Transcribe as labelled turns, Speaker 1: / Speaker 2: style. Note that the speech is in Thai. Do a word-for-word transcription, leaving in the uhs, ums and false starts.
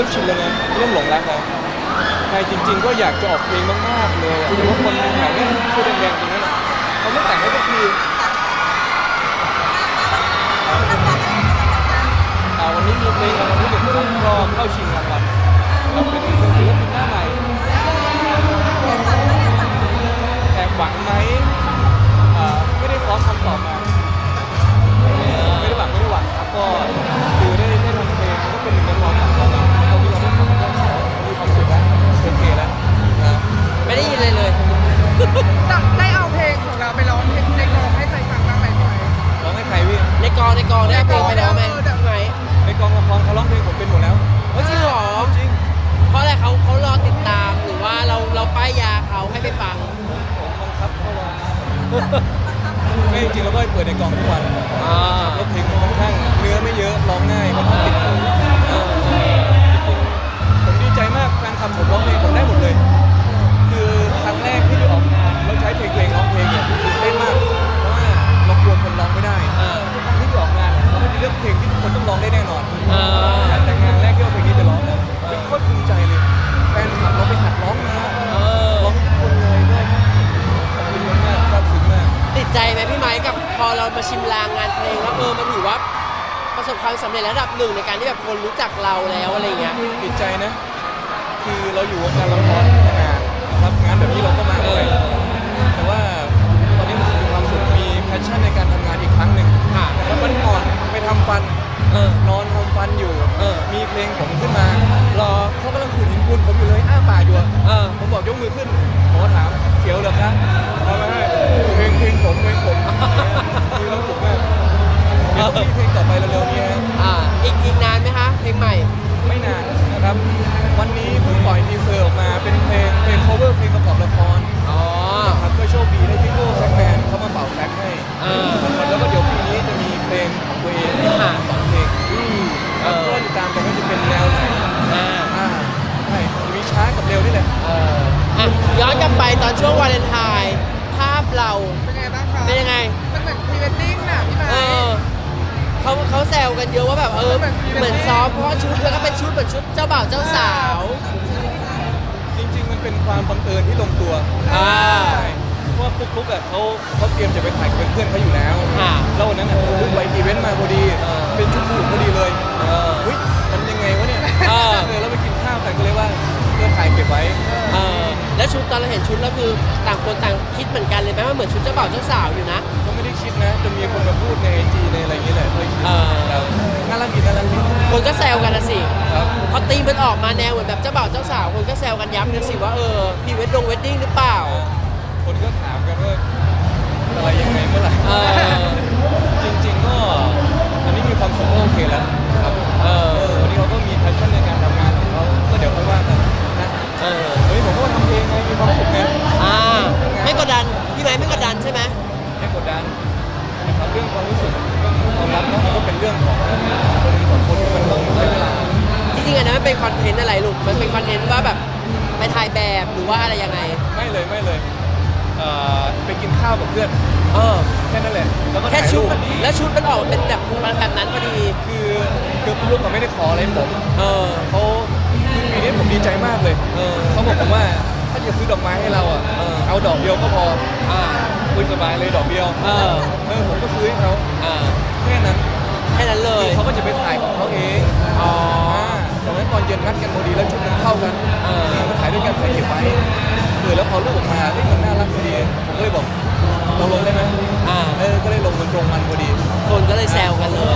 Speaker 1: ชินแล้วนะเริ่มหลงรักแล้วใช่จริงๆก็อยากจะออกเพลงมากๆเลยแต่ว่าคนแถวนี้ชื่อแดงๆตรงนั้นเขาไม่แต่งให้สักทีวันนี้มีเพลงรางวัลที่หนึ่งก็เข้าชิงรางวัลเราเป็นศิลปินหน้าใหม่แอบหวังไหมไม่ได้ซ้อมคำตอบมาไม่ได้หวังไม่ได้หวังครับก็คือได้ได้ทำเพลงก็เป็นหนึ่งในความฝันของเราเราที่เราได้ทำมันก็มีความสุขแล้วโอเคแล้วนะ
Speaker 2: ไม่ได้ยินเลยเลย
Speaker 3: ได้เอาเพลงของเราไปร้องในกองให้ใครฟังบ้างไหมพี่ไหม
Speaker 1: ร้องให้ใครพี่
Speaker 2: ในกองในกองได้เพลงไปแล้วไหมไหม
Speaker 1: ในกองละครเขาร้องเพลงผมเป็นหมดแล้ว
Speaker 2: จริงเหรอ
Speaker 1: จริง
Speaker 2: เพราะอะไรเขาเขารอติดตามหรือว่าเราเราป้ายยาเขาให้ไปฟัง
Speaker 1: ผมบังคับเขาร้องไม่จริงเราก็เปิดในกองทุกวันแล้วเพลงค่อนข้างเนื้อไม่เยอะร้องง่ายค่อนข้างติดหูผมดีใจมากแฟนคลับผมร้องเพลงผมได้หมดเลยคือครั้งแรกที่ได้ออกงานเราใช้เพลงเพลงร้องเพลงเนี่ยตื่นเต้นมากเพราะว่าเรากลัวคนร้องไม่ได้ทุกครั้งที่ได้ออกงานเราไม่ได้เลือกเพลงที่ทุกคนต้องร้องได้แน่นอนแต่งานแรกที่เอาเพลงนี้ไปร้องเนี่ยเป็นโคตรภูมิใจเลยแฟนคลับเราไปหัดร้องมาร้องทุกคนเลยด้วยขอบคุณมากซาบซึ้งมาก
Speaker 2: ติดใจไหมพี่ไม้กับพอเรามาชิมลางงานเพลงแล้วเออมันถือว่าประสบความสำเร็จระดับหนึ่งในการที่แบบคนรู้จักเราแล้วอะไรเงี้ย
Speaker 1: ติดใจนะคือเราอยู่วงการละครมานานรับงานแบบนี้เราก็มาเลยแต่ว่าตอนนี้มันมีความสุขมีแพชชั่นในการทำงานอีกครั้งหนึ่งแล้ววันก่อนไปทำฟันนอนทำฟันอยู่มีเพลงผมขึ้นมารอเขากำลังขูดหินปูนผมอยู่เลยอ้าปากอยู่ผมบอกยกมือขึ้นหมอถามเสียวเหรอครับเอาไม่ให้เพลงเพลงผมเพลงผมมีความสุขมากเดี๋ยวต้องมีเพลงต่อไปเร็วๆนี้ฮะ
Speaker 2: อีกอีกนานไหมคะเพลงใหม่
Speaker 1: ไม่นานนะครับวันนี้เพิ่งปล่อยทีเซอร์ออกมาเป็นเพลงเพลง cover เพลงประกอบละคร
Speaker 2: อ๋อ
Speaker 1: ครับก็โชคดีได้พี่โก้แซกแมนเขามาเป่าแซกให้แล้วก็เดี๋ยวปีนี้จะมีเพลงของตัวเองที่มาสองเพลงก็ติดตามกันว่าจะเป็นแนวไหนอ่าใช่จะมีช้ากับเร็วนี่แหละ
Speaker 2: อ่ะย้อนกลับไปตอนช่วงวาเลนไทน์ภาพเรา
Speaker 3: เป็นไงบ้างคะ
Speaker 2: เป็นยังไง
Speaker 3: มันเหมือนพรีเวดดิ้งน่ะพี่ไม้
Speaker 2: เขาเขาแซวกันเยอะว่าแบบเออเหมือนซ้อมเพราะว่าชุดแล้วก็เป็นชุดเหมือนชุดเจ้าบ่าวเจ้าสาว
Speaker 1: จริงๆมันเป็นความบังเอิญที่ลงตัว
Speaker 2: อ่า
Speaker 1: เพราะว่าปุ๊กลุ๊กอ่ะเขาเขาเตรียมจะไปถ่ายกับเพื่อนเขาอยู่แล้วแล้ววันนั้นอ่ะปุ๊กลุ๊กไปอีเวนต์มาพอดีเป็นชุดสูทพอดีเลยเฮ้ยมันยังไงวะเนี่ยเออแล้วไปกินข้าวกันก็เลยว่าเพื่อถ่ายเก็บไว้
Speaker 2: เออแล้วชุดตอนเราเห็นชุดแล้วคือต่างคนต่างคิดเหมือนกันเลยไหมว่าเหมือนชุดเจ้าบ่าวเจ้าสาวอยู่นะ
Speaker 1: ก็ไม่ได้คิดนะจนมีคนมาพูดในไอจีในอะไรอย่างเงี้ยแหละเคยคิดน่ารักดีน่ารักดี
Speaker 2: คนก็แซวกันนะสิพอตีมันออกมาแนวเหมือนแบบเจ้าบ่าวเจ้าสาวคนก็แซวกันย้ำกันสิว่าเออพรีเวดดงเวดดิ้งหรือเปล่า
Speaker 1: คนก็ถามกันว่าอะไรยังไงเมื่อไหร่จริงๆก็อันนี้มีความสุขโอเคแล้วครับวันนี้เขาก็มีแพชชั่นในการทำงานของเขาก็เดี๋ยวค่อยว่ากันนะเออวันนี้ผมก็ทำเพลงไงมีความสุขไง
Speaker 2: อ่าไม่กดดันพี่ไม้ไม่กดดันใช่ไหม
Speaker 1: ไม่กดดันนะครับเรื่องความรู้สึกเรื่องความรักมันก็เป็นเรื่องของคนสองคนที่มันต้องใช้เวลา
Speaker 2: จริงๆอันนั้นมันเป็นคอนเทนต์อะไรลูกมันเป็นคอนเทนต์ว่าแบบไปถ่ายแบบหรือว่าอะไรยังไง
Speaker 1: ไม่เลยไม่เลยไปกินข้าวกับเพื่อน
Speaker 2: เออ
Speaker 1: แค่นั้นแหละ
Speaker 2: แล้วก็แค่ชุดแล้วชุดมันออกเป็นแบบแบบนั้นพอดี
Speaker 1: คือคือลูกเขาไม่ได้ขออะไรผม
Speaker 2: เออ
Speaker 1: เขาคือปีนี้ผมดีใจมากเลยเออเขาบอกผมว่าถ้าจะซื้อดอกไม้ให้เราอ่ะเอาดอกเดียวก็พออ่าคุยสบายเลยดอกเดียวเออเออผมก็ซื้อให้เขาอ่าแค่นั้น
Speaker 2: แค่นั้นเลย
Speaker 1: เขาก็จะไปถ่ายของเขาเอง
Speaker 2: อ๋อ
Speaker 1: ตอนนั้นตอนเย็นนัดกันพอดีแล้วชุดมันเข้ากันเออมาถ่ายด้วยกันถ่ายเก็บไว้เออแล้วพอลูกออกมาเฮ้ยมันน่ารักพอดีผมก็เลยบอกเราลงได้ไหมอ่าเออก็เลยลงมันตรงมันพอดี
Speaker 2: คนก็เลยแซวกันเลย